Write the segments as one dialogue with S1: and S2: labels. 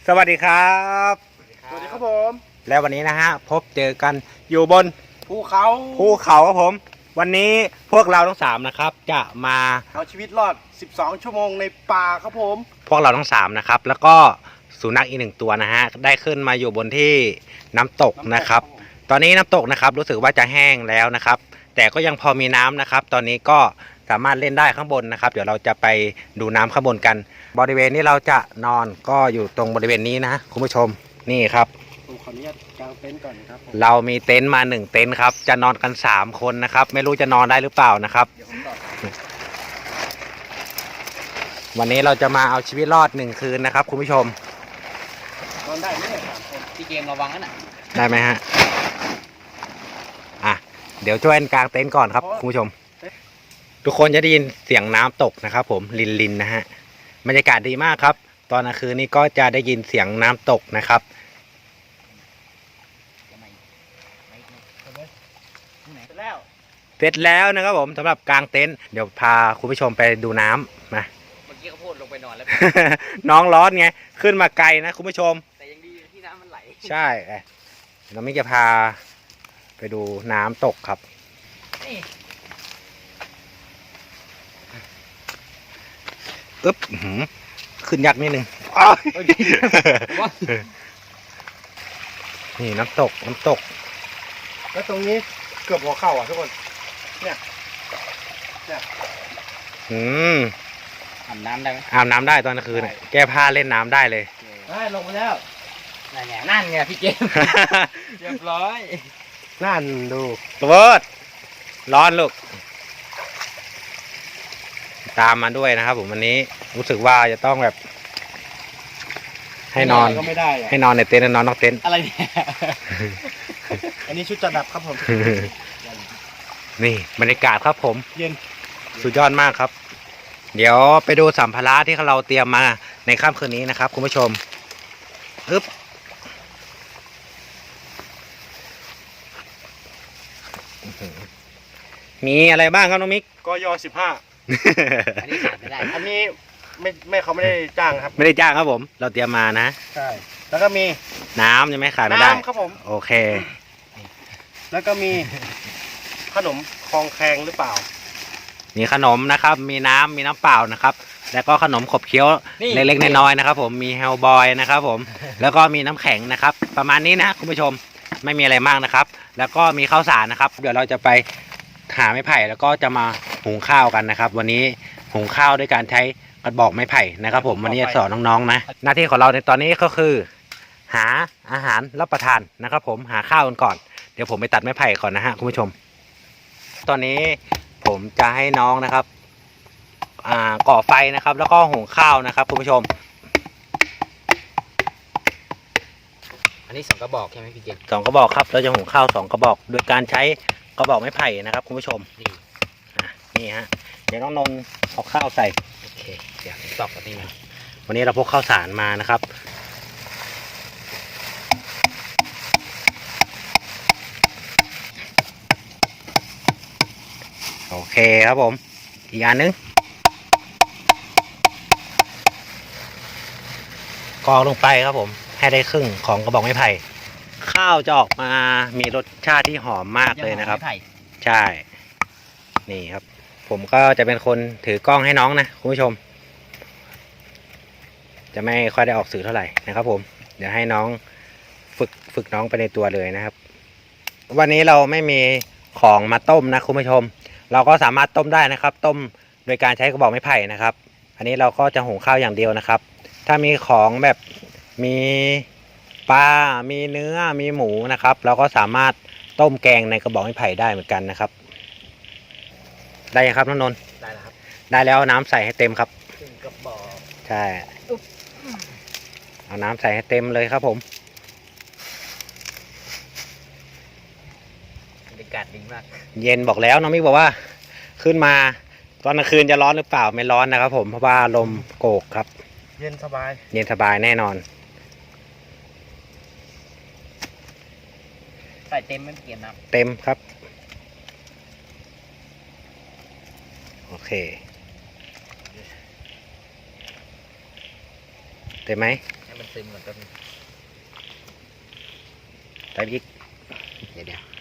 S1: สวัสดีครับ
S2: สวัสดีครับผม
S1: แล้ววันนี้นะฮะพบเจอกันอยู่บน
S2: ภูเขา
S1: ครับผมวันนี้พวกเราทั้ง3นะครับจะมา
S2: เอาชีวิตรอด12ชั่วโมงในป่าครับผม
S1: พวกเราทั้ง3นะครับแล้วก็สุนัขอีก1ตัวนะฮะได้ขึ้นมาอยู่บนที่น้ำตกนะครับตอนนี้น้ำตกนะครับรู้สึกว่าจะแห้งแล้วนะครับแต่ก็ยังพอมีน้ำนะครับตอนนี้ก็สามารถเล่นได้ข้างบนนะครับเดี๋ยวเราจะไปดูน้ำข้างบนกันบริเวณนี้เราจะนอนก็อยู่ตรงบริเวณนี้นะคุณผู้ชมนี่ครับ
S2: ผมขออนุญาตกางเต็นท์ก่อนครับผม
S1: เรามีเต็นท์มา1เต็นท์ครับจะนอนกัน3คนนะครับไม่รู้จะนอนได้หรือเปล่านะครับวันนี้เราจะมาเอาชีวิตรอด1คืนนะครับคุณผู้ชม
S2: นอนได้ไหมเนี่ย3คน
S3: พี่เกมระวังนะ
S1: ได้ไหมฮะอ่ะเดี๋ยวช่วยกางเต็นท์ก่อนครับคุณผู้ชมทุกคนจะได้ยินเสียงน้ำตกนะครับผมลินนะฮะบรรยากาศดีมากครับตอนกลางคืนนี้ก็จะได้ยินเสียงน้ำตกนะครับเสร็จแล้วนะครับผมสำหรับกางเต็นท์เดี๋ยวพาคุณผู้ชมไปดูน้ำมา
S3: เมื่อกี้เขาพูดลงไปนอนแล้ว
S1: น้องร้อนไงขึ้นมาไกลนะคุณผู้ชม
S3: แต่ยังดีที่น้ำมันไหล
S1: ใช่เราไม่จะพาไปดูน้ำตกครับอึ๊บขึ้นยากนิดนึงนี่น้ำตก
S2: แล้วตรงนี้เกือบหัวเข่าอ่ะทุกคนเนี่ย
S3: อาบน้ำได้ไหม
S1: อาบน้ำได้ตอนกลางคืนแก้ผ้าเล่นน้ำได้เลย
S2: ได้ลงไปแล้ว
S3: นั่นไงพี่เกมเรียบร้อย
S2: นั่นดู
S1: เวิร์ดร้อนลูกตามมาด้วยนะครับผมวันนี้รู้สึกว่าจะต้องแบบให้นอน
S2: ก็ไม่ได้
S1: ให้นอนในเต็นท์นอนนอกเต็นท์
S3: อะไรเนี่ย
S2: อันนี้ชุดจัดดับครับผม
S1: นี่บรรยากาศครับผม
S2: เย็น
S1: สุดยอดมากครับเดี๋ยวไปดูสัมภาระที่เราเตรียมมาในค่ำคืนนี้นะครับคุณผู้ชมมีอะไรบ้างครับน้องมิก
S2: กย15
S3: อันนี้ขาดไม่ได้
S2: อันนี้ไม่เขาไม่ได้จ้างครับ
S1: ไม่ได้จ้างครับผมเราเตรียมมานะ
S2: ใช่แล้วก็มี
S1: น้ำยังไม่ขาดไม่ได้
S2: น้ำครับผม
S1: โอเค
S2: แล้วก็มีขนมคลองแคงหรือเปล่า
S1: มีขนมนะครับมีน้ำเปล่านะครับแล้วก็ขนมขบเคี้ยวเล็กๆน้อยๆนะครับผมมีเฮลบอยนะครับผมแล้วก็มีน้ำแข็งนะครับประมาณนี้นะคุณผู้ชมไม่มีอะไรมากนะครับแล้วก็มีข้าวสารนะครับเดี๋ยวเราจะไปหาไม้ไผ่แล้วก็จะมาหุงข้าวกันนะครับวันนี้หุงข้าวด้วยการใช้กระบอกไม้ไผ่นะครับผมวันนี้จะสอนน้องๆนะหน้าที่ของเราในตอนนี้ก็คือหาอาหารรับประทานนะครับผมหาข้าวกันก่อนเดี๋ยวผมไปตัดไม้ไผ่ก่อนนะฮะคุณผู้ชมตอนนี้ผมจะให้น้องนะครับก่อไฟนะครับแล้วก็หุงข้าวนะครับคุณผู้ชม
S3: อันนี้2 กระบอกใช่ไหมพี่เกม
S1: 2 กระบอกครับเราจะหุงข้าว2 กระบอกโดยการใช้กระบอกไม้ไผ่นะครับคุณผู้ชมนี่ฮะเดี๋ยวน้องนนท์เอาข้าวใส่
S3: โอเคเดี๋ยวตอกแบบนี้นะ
S1: วันนี้เราพกข้าวสารมานะครับโอเคครับผมอีกอันนึงกรองลงไปครับผมให้ได้ครึ่งของกระบอกไม้ไผ่ข้าวจะออกมามีรสชาติที่หอมมากเลยนะครับใช่นี่ครับผมก็จะเป็นคนถือกล้องให้น้องนะคุณผู้ชมจะไม่ค่อยได้ออกสื่อเท่าไหร่นะครับผมเดี๋ยวให้น้องฝึกน้องไปในตัวเลยนะครับวันนี้เราไม่มีของมาต้มนะคุณผู้ชมเราก็สามารถต้มได้นะครับต้มโดยการใช้กระบอกไม้ไผ่นะครับอันนี้เราก็จะหุงข้าวอย่างเดียวนะครับถ้ามีของแบบมีปลามีเนื้อมีหมูนะครับเราก็สามารถต้มแกงในกระบอกไม้ไผ่ได้เหมือนกันนะครับได้ยังครับน้องนนท์
S3: ได้แล้วครับ
S1: ได้แล้วน้ำใส่ให้เต็มครับ
S3: กระบอก
S1: ใช่เอาน้ำใส่ให้เต็มเลยครับผม
S3: บรรยากาศดีมาก
S1: เย็นบอกแล้วน้องมิกบอกว่าขึ้นมาตอนกลางคืนจะร้อนหรือเปล่าไม่ร้อนนะครับผมเพราะว่าลมโกกครับ
S2: เย็นสบาย
S1: แน่นอน
S3: ใส่เต็มไม่เกี่ยวนะ
S1: เต็มครับโอเคเต็มไหม
S3: มันซึมก่อนแป๊บนึง
S1: ใส่อีกเดี๋ยว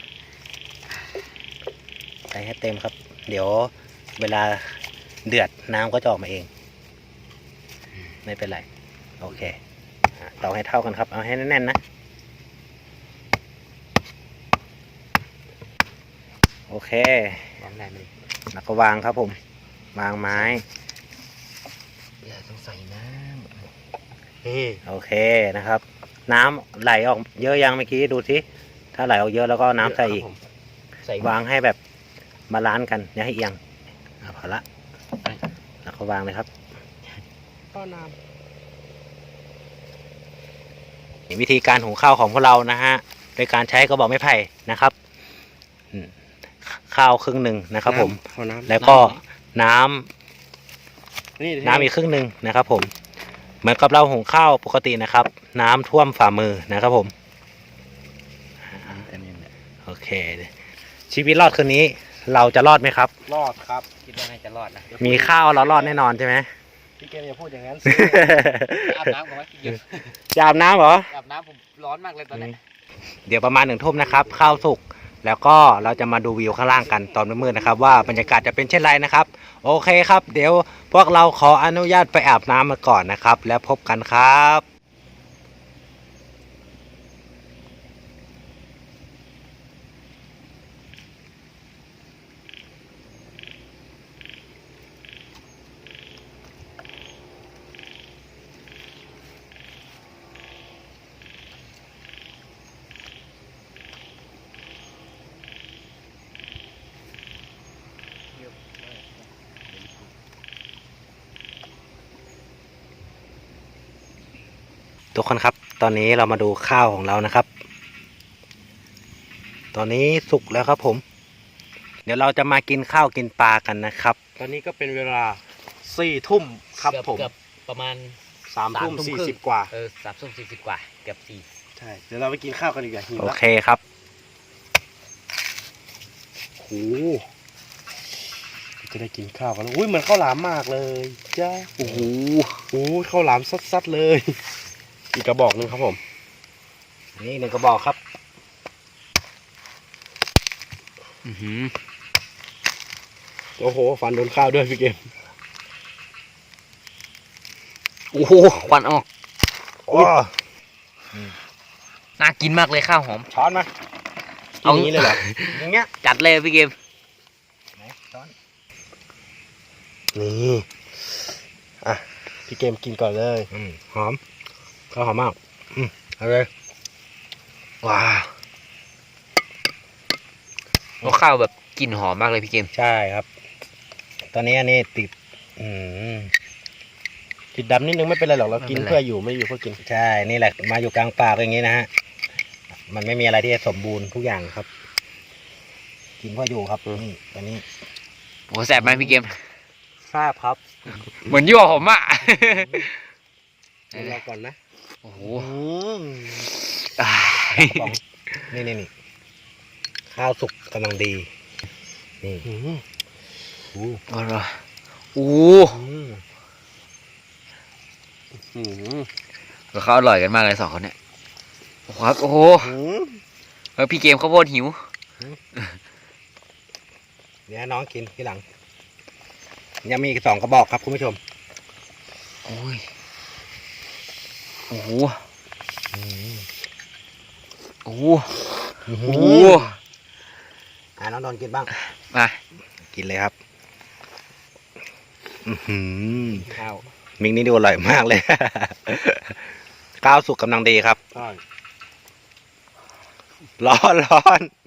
S1: ใส่ให้เต็มครับ เดี๋ยวเวลาเดือดน้ำก็จะออกมาเอง ไม่เป็นไรโอเคเตาให้เท่ากันครับเอาให้แน่นๆนะโอเควางได้ไหมแล้วก็วางครับผมวางไม้
S3: เดี๋ยวต้องใส่น้
S2: นี่
S1: โอเคนะครับ น้ำไหลออกเยอะยังเมื่อกี้ดูสิถ้าไหลออกเยอะแล้วก็น้ำใส่อีก
S3: ำใส่
S1: วางให้แบบบาลานซ์กันอย่าให้เอียงพอละแล้วก็วางเลยครับ
S2: ต้อน้
S1: วิธีการหุงข้าวของพวกเรานะฮะโดยการใช้กระบอกไม้ไผ่นะครับข้าวครึ่งหนึ่งนะครับผม
S2: ขอน้ำ
S1: แล้วก็น้ำ
S2: นี่
S1: น้ำอีกครึ่งหนึ่งนะครับผมเหมือนกับเราหุงข้าวปกตินะครับ น้ำท่วมฝ่ามือนะครับผมโอเค ชีวิตรอดคืนนี้เราจะรอดไหมครับ
S2: รอดครับ
S3: คิดว่าน่าจะรอดนะ
S1: มีข้าวเรารอดแน่นอนใช่ไหม
S2: พี่เกมอย่าพูดอย่างนั้น
S3: อาบน้ำก่อนไหมพี่เกม
S1: จะอาบน้ำเหรอ
S3: อาบน้ำผมร้อนมากเลยตอนนี้
S1: เดี๋ยวประมาณ1 ทุ่มนะครับข้าวสุกแล้วก็เราจะมาดูวิวข้างล่างกันตอนมืดๆนะครับว่าบรรยากาศจะเป็นเช่นไรนะครับโอเคครับ เดี๋ยวพวกเราขออนุญาตไปอาบน้ำมาก่อนนะครับแล้วพบกันครับทุกคนครับตอนนี้เรามาดูข้าวของเรานะครับ ตอนนี้สุกแล้วครับผมเดี๋ยวเราจะมากินข้าวกินปลากันนะครับ
S2: ตอนนี้ก็เป็นเวลา4 ทุ่มครับผม
S3: เกือบประมาณ
S2: 3 ทุ่ม
S3: 3 ทุ่มครึ่ง
S2: 40 กว่า
S3: 3 ทุ่ม 40 กว่าเกือบ4
S2: ใช่เดี๋ยวเราไปกินข้าวกันดีกว่าหิว
S1: โอ
S2: แล้ว
S1: เคครับ
S2: โอ้โหจะได้กินข้าวกันแล้วอุ้ยเหมือนข้าวหลามมากเลยจ้าโอ้โหข้าวหลามซัดๆเลย อีกกระบอกหนึงครับผม
S1: นี่1 กระบอกครับ
S2: โอ้โหฟันโดนข้าวด้วยพี่เกม
S3: โอ้โหควันออก
S2: โอ้
S3: น่ากินมากเลยข้าวหอม
S2: ช้อนมากินอย่างนี้เลยเหรอ
S1: อย่างเงี้ย
S3: จัดเลยพี่เกม
S1: ไหนช้อน
S2: นี่อ่ะพี่เกมกินก่อนเลย
S1: หอมข้าวหอมมากเอาเลยว้าว
S3: ข้าวแบบกลิ่นหอมมากเลยพี่เกม
S1: ใช่ครับ ตอนนี้อันนี้ติด
S2: ติดดำนิดนึงไม่เป็นไรหรอกเรากิน
S3: ไม่เป็นไร
S2: เพื่ออยู่ไม่อยู่เพื่อกิน
S1: ใช่นี่แหละมาอยู่กลางป่าก็อย่างนี้นะฮะมันไม่มีอะไรที่จะสมบูรณ์ทุกอย่างครับ กินเพื่ออยู่ครับนี่ตอนนี้
S3: โอ้แสบไหมพี่เกม
S1: ทราบครับ
S3: เหมือนยั่วผมอ่ะ
S2: เดี๋ยวรอก่อนนะ
S3: โอ้โห
S1: บอกนี่ข้าวสุกกำลังดีนี่
S2: อืม
S1: โอ้
S3: โอ้โหโอ้
S2: อืม
S3: เขาอร่อยกันมากเลย2 คนเนี่ยโอ้โหครับโอ้โห
S2: อืม
S3: พี่เกมข้าวโพดหิว
S1: เดี๋ยวน้องกินทีหลังยังมีอีก2 กระบอกครับคุณผู้ชม
S3: โอ้ยโอ้โหโอ้โหโอ้โห
S1: น้องโดนกินบ้าง
S3: มา
S1: กินเลยครับ
S3: ข้าว
S1: มิกนี่ดูอร่อยมากเลย ข้าวสุกกำลังดีครับ
S2: ใช่
S1: ร้อน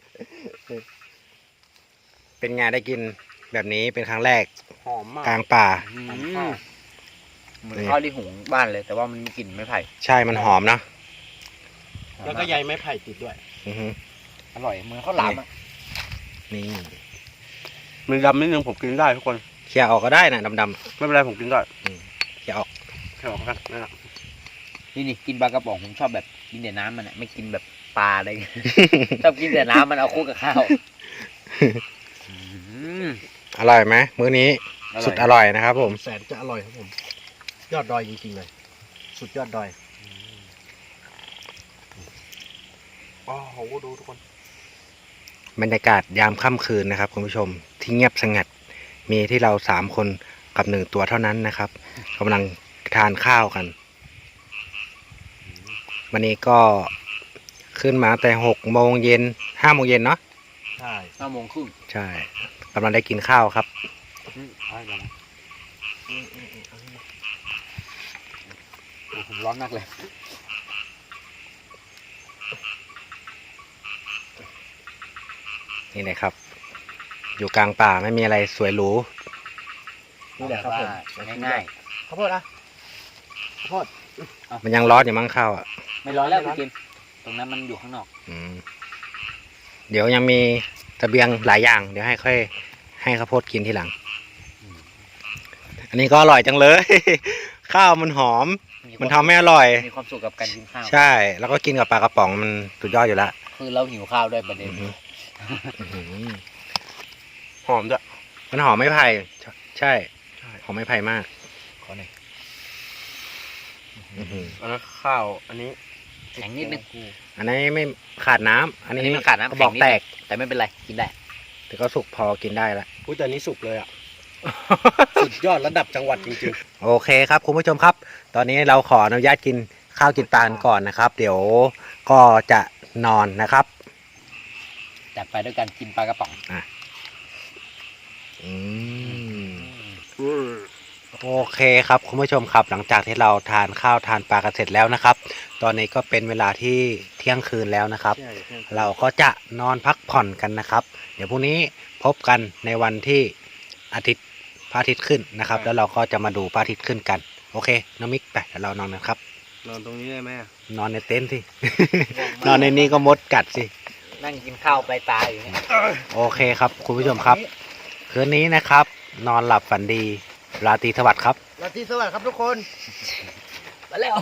S1: เป็นไงได้กินแบบนี้เป็นครั้งแรก
S2: หอมมาก
S1: กลางป่า
S3: เหมือนข้าวที่หุงบ้านเลย แต่ว่ามันมีกลิ่นไม้ไผ่
S1: ใช่มันหอมนะ
S2: แล้วก็ใยไม้ไผ่ติดด้วย
S1: อือฮึ
S3: อร่อยเหมือนข้าวหลามอ่ะ
S1: นี่
S2: มันดำนิดนึงผมกินได้ทุกคน
S1: เคี่ยวออกก็ได้นะดำ
S2: ไม่เป็นไรผมกินได้
S1: ๆเคี่ยวออก
S2: แค่ออกกันนั่นแหละ
S3: นี่กินปลากระป๋องผมชอบแบบกินแต่น้ำมันอ่ะไม่กินแบบปลาอะไร ชอบกินแต่น้ำมันเอาคู่กับข้าว
S1: อร่อยไหมมื้อนี้สุดอร่อยนะครับผม
S2: แสนจะอร่อยครับผม ยอดดอยจริงๆเลย สุดยอดดอยอ๋อโหดูทุกคน
S1: บรรยากาศยามค่ำคืนนะครับคุณผู้ชมที่เงียบสงัดมีที่เรา3 คนกับ1 ตัวเท่านั้นนะครับกำลังทานข้าวกัน วันนี้ก็ขึ้นมาแต่6 โมงเย็น5 โมงเย็นเนาะ
S2: ใช่
S3: 5 โมงครึ่ง
S1: ใช่กำลังได้กินข้าวครับ
S2: ใช่แล้วนะ
S3: โอ้ผมร้อนมากเลย
S1: นี่เลยครับ อยู่กลางป่าไม่มีอะไรสวยหรู
S2: นี่แหละครับผม
S3: ง่าย
S2: ข้าวโพดอะข้าวโพด
S1: มันยังร้อนอยู่มั้งข้าวอ่ะ
S3: ๆไม่ร้อนแล้วพี่กินตรงนั้นมันอยู่ข้างนอก
S1: อืมเดี๋ยวยังมีเสบียงหลายอย่าง เดี๋ยวให้ค่อยให้ข้าวโพดกินทีหลัง อันนี้ก็อร่อยจังเลย ข้าวมันหอม มันทำให้อร่อย
S3: มีความสุขกับการกินข้าว
S1: ใช่ แล้วก็กินกับปลากระป๋องมันสุดยอดอยู่แล้ว
S3: คือเราหิวข้าวด้วยประเด็น
S1: อื้อหืออื้อหือ
S2: หอมจ้ะ
S1: มันหอมไม้ไผ่ใช่หอมไม้ไผ่มาก
S2: ขอหน่อย
S1: อื้อหือ
S2: อันนั้นข้าวอันนี้
S3: แข็งนิดนึง
S1: อันนี้ไม่ขาดน้ำอันนี้
S3: มันขาดน้ำ
S1: กระบอก
S3: ข็งนิด
S1: แตก
S3: แต่ไม่เป็นไรกินได้
S1: แต่ก็สุกพอกินได้ละ
S2: อุ้ยแต่อันนี้สุกเลยอ่ะ สุดยอดระดับจังหวัดจริง
S1: โอเคครับคุณผู้ชมครับ ตอนนี้เราขออนุญาตกินข้าวกินปลากันก่อนนะครับ เดี๋ยวก็จะนอนนะครับ
S3: จัดไปด้วยการกินปลากระป๋อง
S1: อืม
S2: ๆ
S1: โอเคครับคุณผู้ชมครับ หลังจากที่เราทานข้าวทานปลากันเสร็จแล้วนะครับ ตอนนี้ก็เป็นเวลาที่เที่ยงคืนแล้วนะครับ
S2: ใช่ใช่
S1: เราก็จะนอนพักผ่อนกันนะครับ เดี๋ยวพรุ่งนี้พบกันในวันที่พระอาทิตย์ขึ้นนะครับ แล้วเราก็จะมาดูพระอาทิตย์ขึ้นกัน โอเคน้องมิกไปเดี๋ยวเรานอนกันครับ
S2: นอนตรงนี้ได้ไหมอะ
S1: นอนในเต็นท์สิ นอนในนี้ก็มดกัดสิ
S3: นั่งกินข้าวปลายตาอยู่เนี่ย
S1: โอเคครับคุณผู้ชมครับ คืนนี้นะครับ นอนหลับฝันดี ราตรีสวัสดิ์ครับ
S2: ราตรีสวัสดิ์ครับทุกคน
S3: มาแล้ว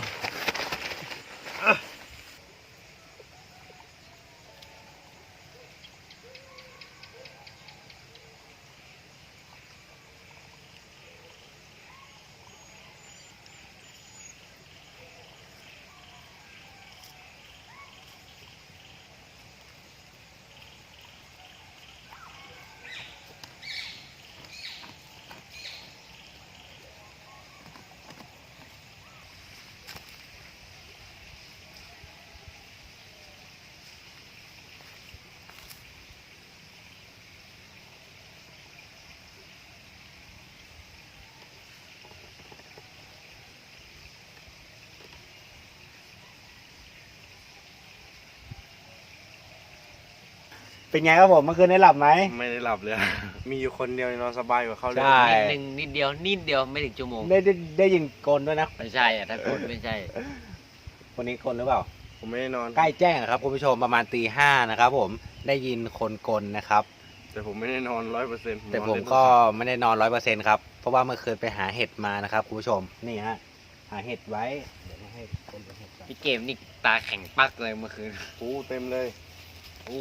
S1: เป็นไงครับผมเมื่อคืนได้หลับไหม
S2: ไม่ได้หลับเลย มีอยู่คนเดียวนอนสบายกว่าเขาเลย
S1: ใช่
S3: นิดเดียวไม่ถึงชั่วโมง
S1: ได้ยินกลด้วยนะ
S3: ไม่ใช่อะถ้าคนไม่ใช่
S1: คนนี้กลหรือเปล่า
S2: ผมไม่ได้นอน
S1: ใกล้แจ้งอะครับคุณผู้ชมประมาณตี 5นะครับผมได้ยินคนกลนะครับ
S2: แต่ผมไม่ได้นอน100%
S1: แต่ผมก็ไม่ได้นอน100%ครับเพราะว่าเมื่อคืนไปหาเห็ดมานะครับคุณผู้ชมนี่ฮะหาเห็ดไว้เดี๋ยวให้คนไปเห็ดก่อน
S3: พี่เกมนี่ตาแข็งปักเลยเมื่อคืน
S2: โอ้เต็มเลย
S3: อู้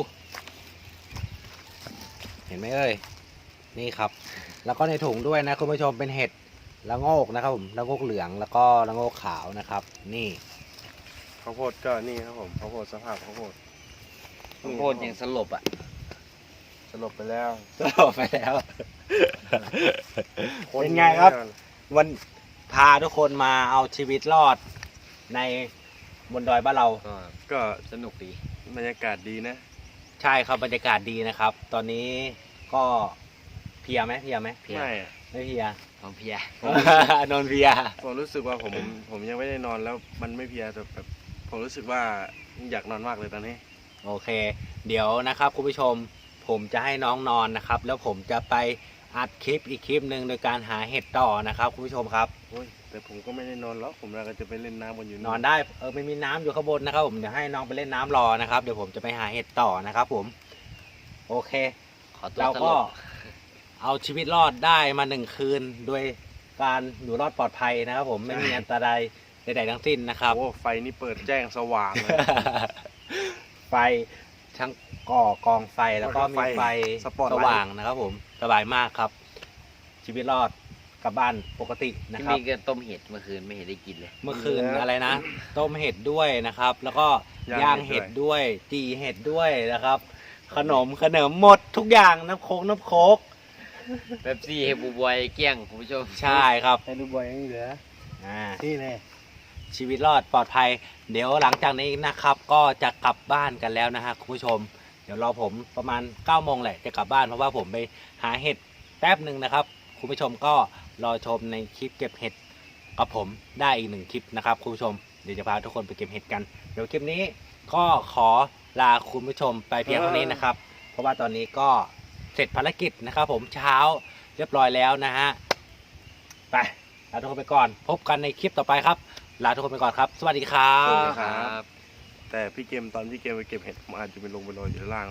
S1: เห็นไหมเอ่ยนี่ครับ แล้วก็ในถุงด้วยนะคุณผู้ชมเป็นเห็ดละโงกนะครับผมละโงกเหลืองแล้วก็ละโงกขาวนะครับ นี่
S2: ข้าวโพดก็นี่ครับผมข้าวโพดสภาพข้าวโพด
S3: ข้าวโพดยังสลบอ่ะ
S2: สลบไปแล้ว
S1: ก็ไปแล้ว เป็นไงครับ วันพาทุกคนมาเอาชีวิตรอดในบนดอยบ้านเรา
S2: ก็
S3: สนุกดี
S2: บรรยากาศดีนะ
S1: ใช่ครับบรรยากาศดีนะครับ ตอนนี้ก็เพลียไหม
S3: เพลีย
S2: ไม่อะ
S1: ไม่เพลีย
S3: ของเพีย
S1: นอนเพลีย
S2: ผมรู้สึกว่าผมยังไม่ได้นอนแล้วมันไม่เพลียแต่แบบผมรู้สึกว่าอยากนอนมากเลยตอนนี้
S1: โอเค เดี๋ยวนะครับคุณผู้ชมผมจะให้น้องนอนนะครับ แล้วผมจะไปอัดคลิปอีกคลิปหนึ่งโดยการหาเห็ดต่อนะครับคุณผู้ชมครับ
S2: โอ้ยแต่ผมก็ไม่ได้นอนแล้วผมเราก็จะไปเล่นน้ำกันอยู่
S1: นอนได้ไม่มีน้ำอยู่ข้างบนนะครับผมเดี๋ยวให้น้องไปเล่นน้ำรอนะครับเดี๋ยวผมจะไปหาเห็ดต่อนะครับผมโอเค
S3: ขอตัว
S1: เรา
S3: สล
S1: ก็
S3: บ
S1: เอาชีวิตรอดได้มา1 คืนโดยการอยู่รอดปลอดภัยนะครับผมไม่มีอันตรายใดๆทั้งสิ้นนะครับ
S2: โอ้ไฟนี่เปิดแจ้งสว่างเลย
S1: ไฟทั้งก่อกองไฟแล้วก็มีไฟ
S2: สปอตไลท์
S1: สว่างนะครับผมสบายมากครับ ชีวิตรอดกลับบ้านปกตินะ
S3: ที่
S1: ครับ
S3: มีก็ต้มเห็ดเมื่อคืนไม่เห็นได้กินเลย
S1: เมื่อคืนอะไรนะ ต้มเห็ดด้วยนะครับ แล้วก็ย่างเห็ดด้วยจีเห็ดด้วยนะครับ ขนมหมดทุกอย่างน้ำโค้ก
S3: แบบซี่เฮบูบอยเกี้ยงคุณผู้ชม
S1: ใช่ครับ
S2: ให้ดูบอยยังเหลือ
S1: อ่า
S2: นี่แน่
S1: ชีวิตรอดปลอดภัย เดี๋ยวหลังจากนี้นะครับ ก็จะกลับบ้านกันแล้วนะฮะคุณผู้ชม เดี๋ยวรอผมประมาณ9 โมงแหละจะกลับบ้านเพราะว่าผมไปหาเห็ดแป๊บหนึ่งนะครับ คุณผู้ชมก็รอชมในคลิปเก็บเห็ดกับผมได้อีก1 คลิปนะครับคุณผู้ชมเดี๋ยวจะพาทุกคนไปเก็บเห็ดกันเดี๋ยวคลิปนี้ก็ขอลาคุณผู้ชมไปเพียงเท่านี้นะครับ เพราะว่าตอนนี้ก็เสร็จภารกิจนะครับ ผมเช้าเรียบร้อยแล้วนะฮะไปลาทุกคนไปก่อน พบกันในคลิปต่อไปครับลาทุกคนไปก่อนครับ สวัสดีครั
S2: สวัสดี
S1: บ
S2: ครับ แต่พี่เกมตอนพี่เกมไปเก็บเห็ดผมอาจจะไปลงไปนอนอยู่ข้างล่าง